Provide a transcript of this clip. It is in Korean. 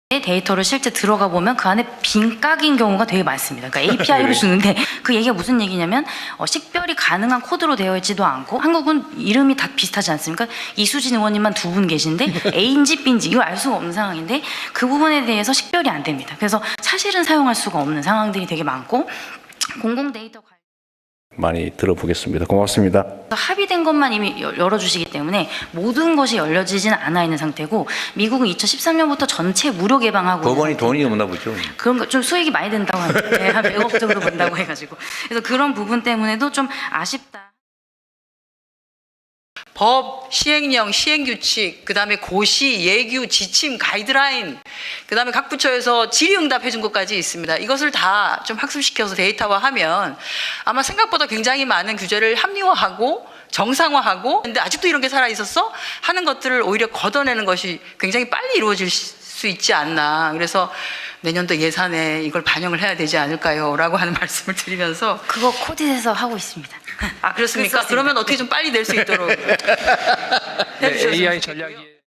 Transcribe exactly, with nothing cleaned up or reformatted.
데이터를 실제 들어가 보면 그 안에 빈깍인 경우가 되게 많습니다. 그러니까 에이피아이를 주는데 그 얘기가 무슨 얘기냐면 어, 식별이 가능한 코드로 되어 있지도 않고, 한국은 이름이 다 비슷하지 않습니까? 이수진 의원님만 두 분 계신데 A인지 B인지 이걸 알 수가 없는 상황인데 그 부분에 대해서 식별이 안 됩니다. 그래서 사실은 사용할 수가 없는 상황들이 되게 많고, 공공 데이터 관련 많이 들어보겠습니다. 고맙습니다. 합의된 것만 이미 열- 열어주시기 때문에 모든 것이 열려지진 않아 있는 상태고, 미국은 이천십삼 년부터 전체 무료 개방하고 법원이 있는 돈이 없나 보죠. 그런 거 좀 수익이 많이 된다고 하는데 한 백억 정도 번다고 해가지고, 그래서 그런 부분 때문에도 좀 아쉽다. 법, 시행령, 시행규칙, 그 다음에 고시, 예규, 지침, 가이드라인, 그 다음에 각 부처에서 질의응답 해준 것까지 있습니다. 이것을 다 좀 학습시켜서 데이터화하면 아마 생각보다 굉장히 많은 규제를 합리화하고 정상화하고, 근데 아직도 이런 게 살아있었어? 하는 것들을 오히려 걷어내는 것이 굉장히 빨리 이루어질 수 있지 않나. 그래서 내년도 예산에 이걸 반영을 해야 되지 않을까요? 라고 하는 말씀을 드리면서. 그거 코디에서 하고 있습니다. 아, 그렇습니까? 그렇습니다. 그러면 어떻게 좀 빨리 낼 수 있도록 네, 에이아이 전략이